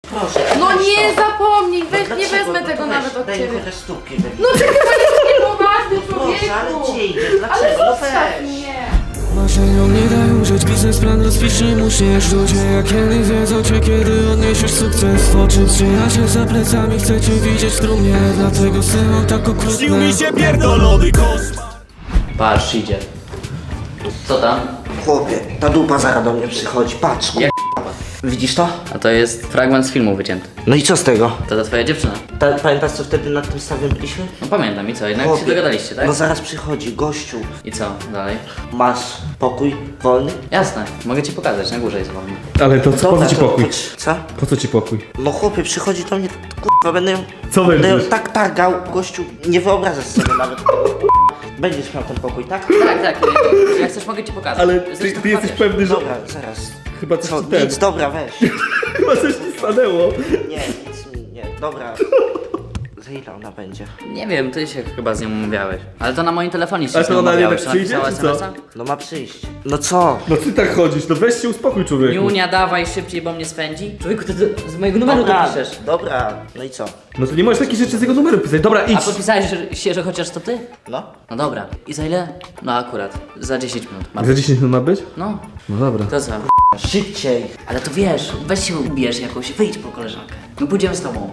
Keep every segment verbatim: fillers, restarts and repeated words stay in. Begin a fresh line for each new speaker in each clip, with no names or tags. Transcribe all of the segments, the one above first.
Proszę.
No
weź
nie
to.
zapomnij, weź,
No
nie
dlaczego?
wezmę
No
tego
to
nawet
weź,
od
daj mi
ciebie.
chociaż stópki. Weź.
No ty chyba jesteś niepoważny,
Proszę, ale
człowieku.
gdzie idziesz?
Ale
Dlaczego? No
zostaw
weź.
mnie.
Marzeniom nie dają żyć, biznesplan rozpisz, nie musisz ludzie. Jak kiedyś wiedzą cię, kiedy odniesiesz sukces w oczy. Przyjaciel za plecami, chcę cię widzieć w trumnie. Dlatego syłam tak okrutne.
Śnił mi się pierdolony koszmar.
Patrz, idzie. Co tam?
Chłopie, ta dupa zaraz do mnie przychodzi, patrz.
Jak
Widzisz to?
A to jest fragment z filmu wycięty.
No i co z tego?
To ta twoja dziewczyna.
Ta, pamiętasz co wtedy nad tym stawem byliśmy?
No pamiętam i co, jednak
Chłopie,
się dogadaliście, tak?
No zaraz przychodzi, gościu.
I co, dalej?
Masz pokój wolny?
Jasne, mogę ci pokazać, na górze jest wolny.
Ale to co, po co ci
to
pokój?
chodź. Co?
Po co ci pokój?
No chłopie, przychodzi do mnie, kurwa, będę ją...
Co
Będę ją
będziesz?
tak targał, gościu, nie wyobrażasz sobie nawet tego, kurwa. Będziesz miał ten pokój, tak?
Tak, tak, jak chcesz mogę ci pokazać.
Ale ty,
Zresztą
ty jesteś
chodź.
pewny, że
Dobra, zaraz.
chyba coś
Co,
ci ten...
nic, dobra, weź.
Chyba coś ci stanęło.
Nie, nic mi, nie, dobra. Za ile ona będzie?
Nie wiem, ty się chyba z nią umawiałeś. Ale to na moim telefonie się
Ale
z
to
nią
ona
umawiałeś.
jednak przyjdzie,
Napisała
czy co?
es em es a?
No ma przyjść. No co?
No ty tak chodzisz, no weź się uspokój, człowieku.
Niunia, dawaj szybciej, bo mnie swędzi. Człowieku, ty to z mojego numeru to
Dobra,
piszesz.
dobra, no i co?
No to nie możesz takich rzeczy z jego numeru pisać. Dobra,
A
idź.
podpisałeś że- się, że chociaż to ty?
No?
No dobra. I za ile? No akurat. Za dziesięć minut. Mam.
Za dziesięć minut ma być?
No,
No dobra.
to co?
Szybciej.
Ale to wiesz, weź się ubierz jakoś, wyjdź po koleżankę. My pójdziemy z tobą.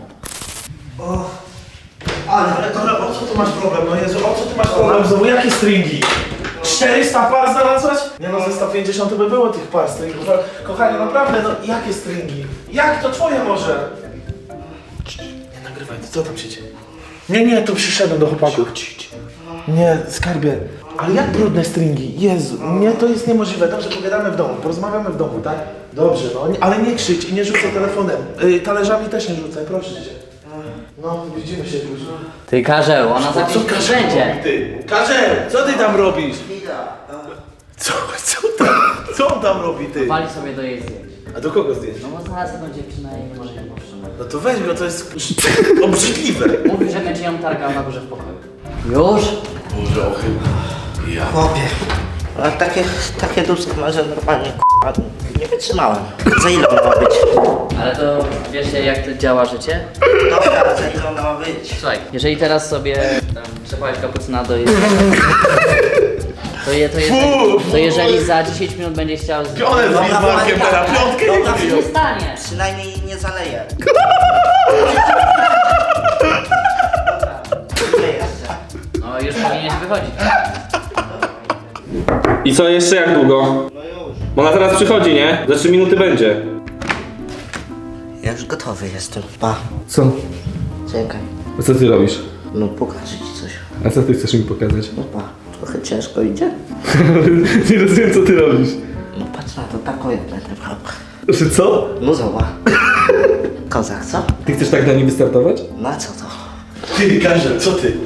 Ale, ale dobra, o co ty masz problem? No Jezu, o co ty masz problem? Znowu jakie stringi? czterysta par znalazłaś? Nie no, ze sto pięćdziesiąt by było tych par stringów. Ale, kochanie, naprawdę, no jakie stringi? Jak to twoje może? Nie nagrywaj, co tam się dzieje? Nie, nie, tu przyszedłem do chłopaków. Nie, skarbie. Ale jak brudne stringi? Jezu, nie, to jest niemożliwe. Dobrze, pogadamy w domu, porozmawiamy w domu, tak? Dobrze, no, nie, ale nie krzycz i nie rzucaj telefonem. Yy, talerzami też nie rzucaj, proszę cię. No, widzimy się później.
Ty Karzeł, ona za
Co
chwilę
Karzeł
będzie.
robi, ty? Karzeł, co ty tam robisz? Co, co tam, co on tam robi, ty?
Wali sobie do jej zdjęć.
A do kogo zdjęć?
No bo znalazł tą dziewczynę i nie może ją powstrzymać.
No to weź go, to jest obrzydliwe.
Mówi, że będzie ją targał na górze w pokoju. Już?
Boże, ochyba. Ja.
Chłopie. Ale takie, takie dupsko ma, że normalnie k***a, nie wytrzymałem. Za ile on ma być?
Ale to wiecie jak to działa życie?
Dobra, za ile on ma być?
Słuchaj, jeżeli teraz sobie tam trzepałeś kapucyna do jej... To, je, to, jeżeli, to jeżeli za dziesięć minut będzie chciał... Z...
Pionę z Bismarckiem teraz, piątkę nie
Dobra,
Co się stanie?
przynajmniej nie zaleję. Dobra, gdzie jeszcze?
No już powinieneś wychodzić.
I co, jeszcze jak długo?
No już.
Bo ona teraz przychodzi, nie? Za trzy minuty będzie.
Ja już gotowy jestem. Pa,
Co?
czekaj.
A co ty robisz?
No pokażę ci coś.
A co ty chcesz mi pokazać?
No pa, trochę ciężko idzie.
Nie rozumiem, co ty robisz.
No patrz na to, taką jak będę brał.
Że co?
No zobacz. Kozak, co?
Ty chcesz tak na nim wystartować?
Na co to?
Ty, Karzeł, co ty?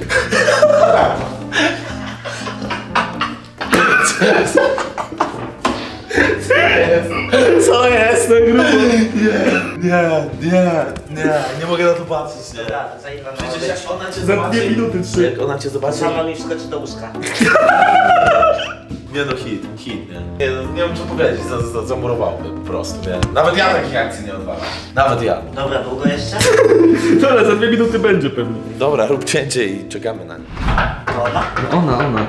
Co jest?
Na grubo.
Nie, nie, nie, nie mogę na to patrzeć, nie.
Dobra, za ile ma
Przecież
być?
jak ona cię
Za
zobaczy...
dwie minuty, trzy.
Jak ona cię zobaczy...
Sama mi wskoczy do łóżka.
Nie no, hit, hit, nie? Nie, no, nie wiem co powiedzieć, za, za, zamurowałby po prostu, nie? Nawet ja takich akcji nie odwalam. Nawet ja.
Dobra, długo jeszcze?
Dobra, za dwie minuty będzie pewnie.
Dobra, rób cięcie i czekamy na nie.
To ona?
No ona, ona.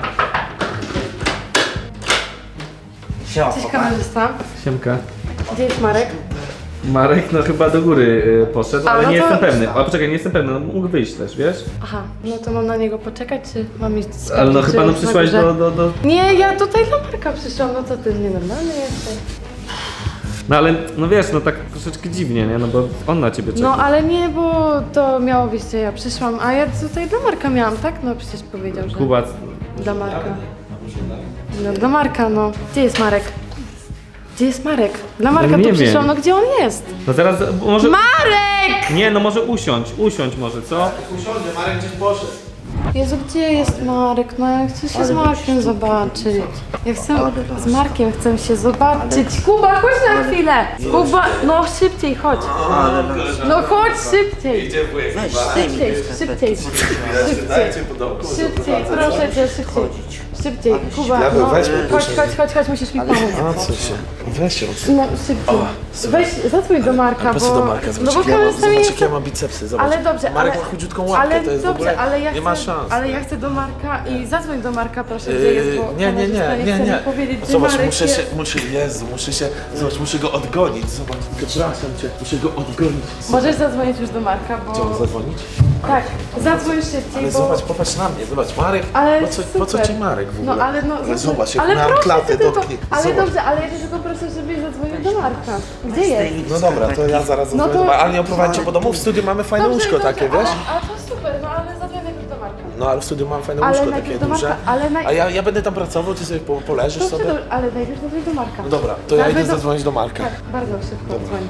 Siema,
Cześć
chłopak.
kamerzysta.
Siemka.
Gdzie jest Marek?
Marek no chyba do góry y, poszedł,
A,
ale
no
nie
to-
jestem pewny. Ale poczekaj, nie jestem pewny, no mógł wyjść też, wiesz?
Aha, no to mam na niego poczekać, czy mam iść sprawdzić,
Ale no
czy
chyba no
jest na
przyszłaś
górze?
do, do, do...
Nie, ja tutaj dla Marka przyszłam, no to ty nienormalny jesteś.
No ale, no wiesz, no tak troszeczkę dziwnie, nie? No bo on na ciebie czeka.
No ale nie, bo to miało być, że ja przyszłam, a ja tutaj dla Marka miałam, tak? No przecież powiedział, że
Kuba,
dla Marka. No dla Marka, no. Gdzie jest Marek? Gdzie jest Marek? Dla Marka
No
tu
nie
przyszłam,
wiem.
no gdzie on jest?
no zaraz, może...
Marek!
Nie, no może usiądź, usiądź może, co?
Usiądzie, Marek gdzieś poszedł.
Jezu, gdzie jest Marek? No ja chcę się z Markiem zobaczyć. Ja chcę, z Markiem chcę się zobaczyć. Kuba, chodź na chwilę! Kuba, no szybciej, chodź. No chodź szybciej.
Weź, zdejmij
Szybciej,
te
szybciej, szybciej,
Dajcie po domku.
szybciej, proszę cię, szybciej. szybciej, Kuba,
Diabeł,
no,
weź mnie
chodź,
później.
chodź, chodź, chodź, musisz mi pomóc.
A co się? Weź ją.
No, szybciej. Weź, zadzwoń do Marka,
Po
bo...
co do Marka?
no
Zobacz,
bo
jak ja mam,
kamerzysta mi
zobacz
nie
jak ja
chce-
mam bicepsy, zobacz.
Ale dobrze,
Marek
ale...
ma chudziutką łapkę,
ale
to jest
dobrze,
w ogóle...
ale ja
nie
chcę,
ma szans.
ale ja chcę do Marka i zadzwoń do Marka, proszę, gdzie jest, bo
Yy, nie, nie,
kamerzysta
nie, nie,
chce
nie.
mi powiedzieć, gdzie
Zobacz,
Marek
muszę
jest.
się, muszę, Jezu, muszę się, zobacz, muszę go odgonić, zobacz, przepraszam cię, muszę go odgonić.
Możesz zadzwonić już do Marka, bo...
Chciał zadzwonić?
Tak, zadzwoń szybciej,
Ale
bo...
zobacz, popatrz na mnie, zobacz, Marek,
Ale
po co, po co
super.
ci Marek w ogóle?
No ale no...
Ale zobacz, jak
ale
miałem
proszę
klatę,
cię tylko,
dotknij,
ale
zobacz.
dobrze, ale ja cię tylko proszę, żebyś zadzwonił do Marka. Gdzie jest?
No dobra, to ja zaraz
No
zadzwonię,
to-
ale nie oprowadźcie po domu, w studiu mamy fajne
Dobrze,
łóżko
dobrze,
takie, wiesz?
Ale, ale to super, no ale zadzwoń najpierw do Marka.
No ale w studiu mam fajne
Ale
łóżko
najpierw
takie
do Marka,
duże.
ale naj-
A ja, ja będę tam pracował, ty sobie po, poleżysz
Dobrze,
sobie?
do, ale najpierw zadzwoń do Marka.
No dobra, to ja
Zadzwoń
idę zadzwonić do Marka.
Tak, bardzo szybko dzwoń.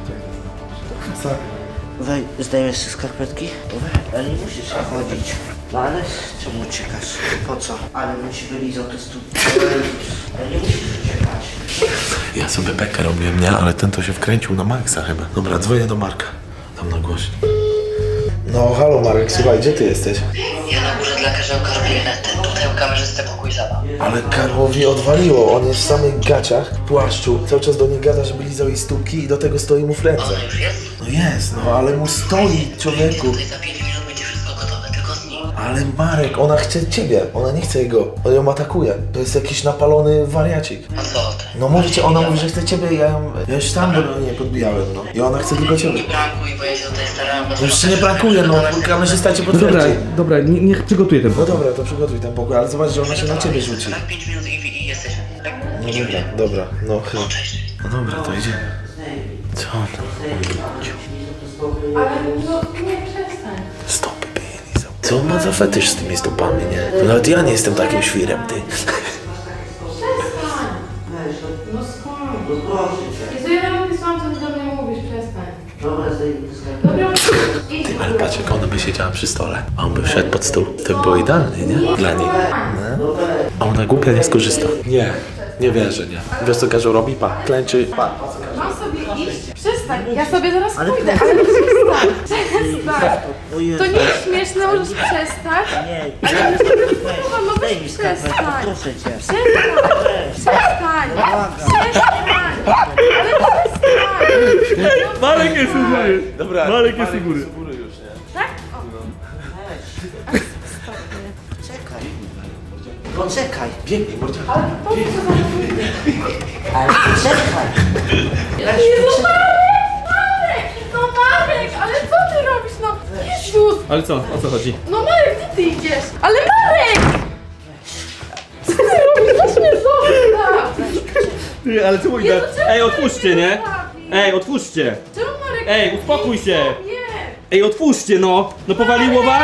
Wej, zdejmiesz sobie skarpetki? Wej, ale nie musisz się chodzić. No ale czemu uciekasz? Po co? Ale bym ci wylizał te stóp. Ale nie musisz uciekać.
Ja sobie bekę robiłem, nie? Ale ten to się wkręcił na maksa chyba. Dobra, dzwonię do Marka. Tam na głośno. No halo Marek, słuchaj, gdzie ty jesteś?
Ja na górze dla każdego gabinetę, tutaj u kamerzysty pokój zabaw.
Ale Karłowi odwaliło, on jest w samych gaciach, w płaszczu. Cały czas do niej gada, żeby lizał jej stópki i do tego stoi mu w ręce.
Ona już jest?
No jest, no ale mu stoi, człowieku.
Tutaj za pięć minut będzie wszystko gotowe, tylko z nim.
Ale Marek, ona chce ciebie, ona nie chce jego. On ją atakuje. To jest jakiś napalony wariacik.
A co ty?
No mówi ci, ona mówi, że chce ciebie, ja ją, ja już sam do niej podbijałem, no. I ona chce tylko ciebie.
Nie prankuj, bo ja się tutaj starałem.
No już się nie prankuje, no, kamerzysta cię
No dobra,
potwierdzi.
dobra, nie, niech przygotuję ten
No dobra, to przygotuj ten pokój, ale zobacz, że ona się na ciebie rzuci.
Tak, pięć minut i, i jesteśmy. Tak?
No dobra, dobra, no chyba.
Cześć.
No dobra, to idziemy. Co on tam?
Ale no nie przestań.
Stopy by je lizał. Co on ma za fetysz z tymi stopami, nie? To nawet ja nie jestem takim świrem, ty.
No skąd?
No proszę cię.
Jezu, ja nawet nie słucham, co ty do mnie mówisz, przestań.
Dobra, zdejmij te skarpetki.
Dobra, idź.
Ale patrz, jak ona by siedziała przy stole, a on by wszedł pod stół. To by było idealnie, nie? Dla niej. No. A ona głupia nie skorzysta. Nie, nie wierzę, nie. Wiesz co Karzeł robi? Pa, klęczy. Pa.
Mam sobie iść? Przestań, ja sobie zaraz pójdę, ale przestań, przestań. To nie jest śmieszne, możesz przestać.
Nie,
Ale już nie wypływa, no weź
zdejmij skarpetki,
przestań.
proszę cię.
Przestań, przestań, przestań, ale przestań.
Marek jest u góry.
Dobra.
Marek jest u góry.
już, nie?
Tak?
Czekaj. Poczekaj.
Biegnij, mordzia.
Ale po co za mówię?
Ale poczekaj.
Jezu, Marek! Marek! No Marek, ale co ty robisz? No Jezus!
Ale co, o co chodzi?
No Marek, gdzie ty idziesz? Ale Marek! Co ty robisz? Weź mnie zostaw!
Ty, ale co
Jezu, czemu
Ej,
Marek
otwórzcie,
mnie
nie?
zostawi?
Ej, otwórzcie.
Czemu Marek?
Ej, uspokój się.
Nie!
Ej, otwórzcie, no. No powaliło was?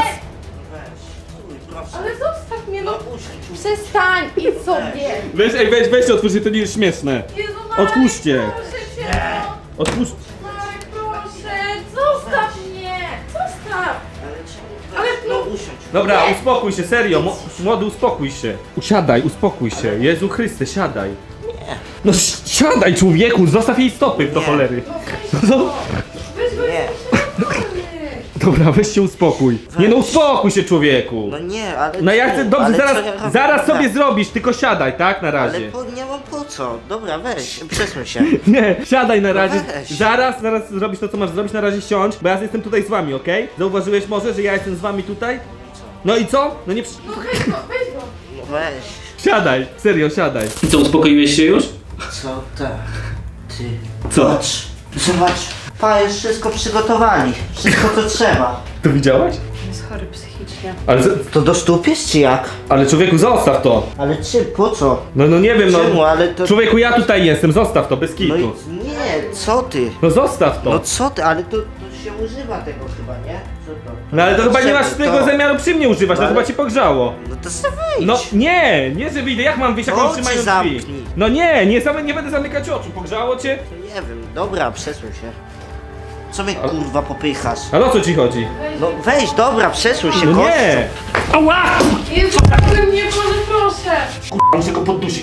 Ale zostaw mnie, no! Przestań, idź sobie!
Weź, ej, weź, weźcie, otwórzcie, to nie jest śmieszne.
Jezu, Marek,
Otwórzcie.
proszę cię, no!
Otwórz...
Marek, proszę! Zostaw mnie! Zostaw! Ale no...
Dobra, uspokój się, serio, mo- młody, uspokój się. Usiadaj, uspokój się. Jezu Chryste, siadaj. Nie. No si- siadaj, człowieku, zostaw jej stopy do cholery. No,
Weź, weź,
Nie.
dobra, weź się uspokój. Nie no, uspokój się, człowieku.
No nie, ale...
No ja chcę, dobrze,
ale
zaraz,
co ja robię?
zaraz sobie
Dobra.
zrobisz, tylko siadaj, tak, na
Ale
razie.
po, nie mam po co. Dobra, weź, przesuń się.
Nie, siadaj na razie.
weź.
Zaraz, zaraz zrobisz to, co masz zrobić, na razie siądź, bo ja jestem tutaj z wami, okej? Zauważyłeś może, że ja jestem z wami tutaj? No i co? No nie przy...
no weź go, weź go!
No weź.
Siadaj, serio, siadaj. I co, uspokoiłeś się już?
Co tak? Ty.
Co?
Zobacz. Zobacz. Pa, już wszystko przygotowali. Wszystko co trzeba.
To widziałaś?
Jest chory psychicznie.
Ale, z-
To do stóp jest czy jak?
ale człowieku, zostaw to.
Ale czy, po co?
No, no nie wiem, no.
Czemu, ale to...
Człowieku, ja tutaj jestem, zostaw to, bez
No
kitu.
i nie, co ty?
No zostaw to.
No co ty, ale to, to się używa tego chyba, nie? Co to?
No ale to chyba nie masz
Czemu
tego
to?
zamiaru przy mnie używać,
No
to
ale-
chyba ci pogrzało.
No to sobie wyjdź.
No nie, nie że wyjdę, jak mam wyjść, jak
No
mam
cię
trzymając
zamknij.
drzwi? No nie, nie, same, nie będę zamykać oczu, pogrzało cię?
Nie wiem, dobra, przesuń się. Co mnie kurwa popychasz?
Ale o co ci chodzi?
No weź, dobra, przesuń się,
No
gościu.
nie! Ała!
Jezu, tak mnie, Boże, proszę!
Muszę go poddusić.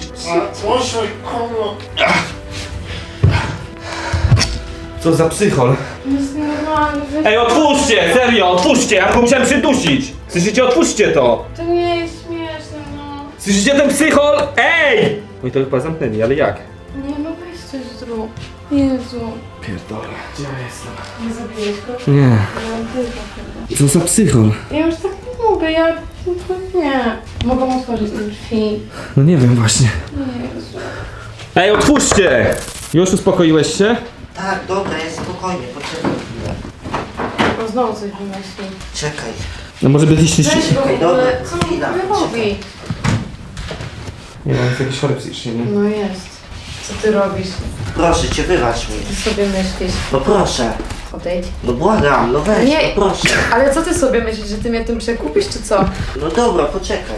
Co za psychol?
Jest nienormalny, weź...
Ej, otwórzcie, serio, otwórzcie, ja go musiałem przydusić. Słyszycie, otwórzcie to.
To nie jest śmieszne, no.
Słyszycie ten psychol? Ej! Oj, to chyba zamknęli, ale jak?
Nie no, weź coś zrób. Jezu.
Pierdolę. Gdzie ja jestem?
Nie zabiłeś go?
Nie.
Ja tylko chyba.
Co za psychol?
Ja już tak nie mogę, ja... no to nie. Mogą otworzyć te drzwi.
No nie wiem właśnie.
Jezu.
Ej, otwórzcie! Już uspokoiłeś się?
Tak, dobra, jest spokojnie, poczekaj chwilę.
O, znowu coś wymyśli.
Czekaj.
No może byliście...
Weź go w
Czekaj,
ogóle,
dobra,
co on
chwila,
w ogóle robi?
Nie, on jest jakiś chory psychicznie, nie?
No jest. Co ty robisz?
Proszę cię, wybacz mi.
Ty sobie myślisz.
No proszę.
Odejdź.
No błagam, no weź,
Nie.
no proszę.
Ale co ty sobie myślisz, że ty mnie tym przekupisz, czy co?
No dobra, poczekaj.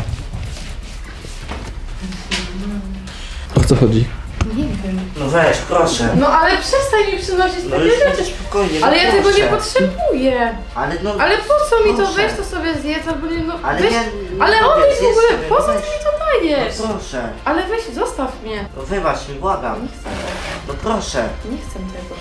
O co chodzi?
Nie wiem.
No weź, proszę.
No ale przestań mi przynosić
No
takie
już
rzeczy.
będę spokojnie, no
Ale ja tego
proszę.
nie potrzebuję.
Ale no...
Ale po co mi to?
proszę.
Weź to sobie zjedz albo nie, no
Ale
weź,
ja...
ale
nie
odejdź w
zjedz
ogóle,
sobie,
po co
weź.
ty mi to dajesz?
No proszę.
Ale weź, zostaw mnie.
No wybacz mi, błagam.
Nie chcę tego,
No proszę.
nie chcę tego.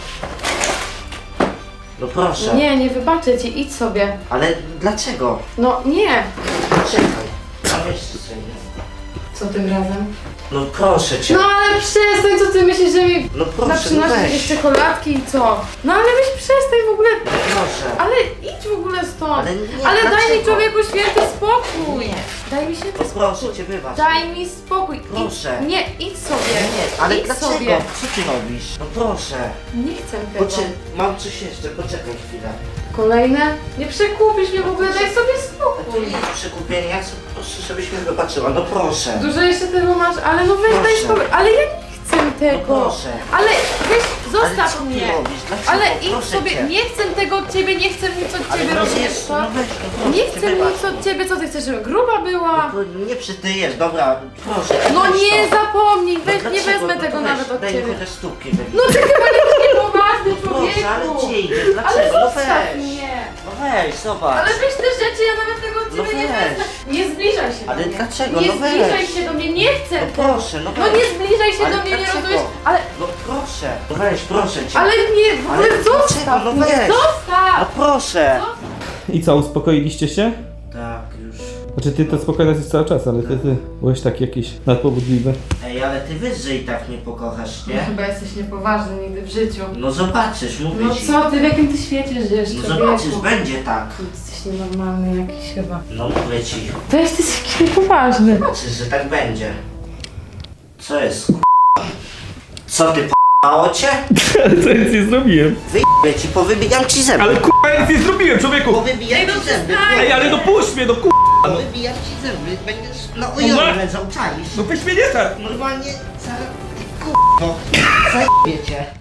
No proszę.
Nie, nie wybaczę ci, idź sobie.
Ale dlaczego?
No nie.
Poczekaj. A weź to sobie.
Co tym razem?
No proszę cię.
No ale przestań, co ty myślisz, że mi
No
na
proszę, no
przynosisz
weź.
jakieś czekoladki i co? No ale weź przestań w ogóle.
No proszę.
Ale idź w ogóle stąd.
Ale nie,
Ale daj mi
dlaczego?
człowieku święty spokój. Daj mi święty
No
spokój.
proszę cię, wybacz.
Daj mi spokój.
Proszę.
Idź. Nie, idź sobie.
Nie, ale
idź
dlaczego?
sobie.
Co ty robisz? No proszę.
Nie chcę tego.
Poczekaj, mam coś jeszcze, poczekaj chwilę.
Kolejne? Nie przekupisz mnie w ogóle, daj sobie
To
spokój.
nie jest przekupienie, ja chcę po prostu, żebyś mnie wybaczyła, no proszę.
Dużo jeszcze tego masz, ale no weź, daj
Proszę.
spokój. Ale ja nie chcę tego.
proszę.
Ale weź,
Ale
zostaw
co ty
mnie.
robisz? Dlaczego?
Ale idź
Proszę
sobie,
cię.
nie chcę tego od ciebie, nie chcę nic od
Ale
ciebie
no
rozumieć,
jest,
co?
no weź, no proszę
Nie
cię,
chcę
wybacz.
nic od ciebie, co ty chcesz, żebym gruba była?
No nie przytyjesz, dobra, proszę.
No
weź
nie
to.
zapomnij,
No
weź, nie
dlaczego?
wezmę
No
tego
to
nawet
weź,
od
daj mi
ciebie.
chociaż stópki wybić.
No ty chyba jesteś niepoważny,
Proszę, ale
człowieku.
gdzie idziesz?
Ale
Dlaczego? No
zostaw
weź.
mnie.
No weź, zobacz.
Ale weź te rzeczy, ja nawet tego od
No
ciebie nie
weź.
wezmę. Nie zbliżaj się
Ale
do mnie.
dlaczego?
Nie
No weź.
zbliżaj się do mnie, nie chcę
No
tego.
proszę, no
No
weź.
nie zbliżaj się
Ale
do mnie, nie
dlaczego?
rozumiesz? Ale,
No proszę. No weź, proszę cię.
ale nie, w
Ale
ogóle zostaw
dlaczego? No
mnie,
weź. No
zostaw.
proszę.
I co, uspokoiliście się?
Tak, już.
Znaczy ty to spokojna jesteś cały czas, ale ty, ty byłeś taki jakiś nadpobudliwy.
Ej, ale ty wiesz, że i tak mnie pokochasz,
No
nie?
chyba jesteś niepoważny nigdy w życiu.
No zobaczysz, mówię
No
ci.
co ty, w jakim ty świecie żyjesz,
No
człowieku?
zobaczysz, będzie tak.
Jesteś nienormalny jakiś chyba.
No mówię ci.
Weź, ty jesteś jakiś niepoważny.
Zobaczysz, że tak będzie. Co jest, k***a? Co ty, p***ało cię?
Ale co ja nic nie zrobiłem?
Wyjdę ci, powybijam ci zęby.
Ale kurwa ja nic nie zrobiłem, człowieku!
Powybijam ci zęby.
Ej, ale no puść mnie, no kurwa!
Powybijam ci zęby, będziesz na ujony będą czaisz.
No weź mnie nie tak!
Normalnie, zaraz, k***o, zajebie cię.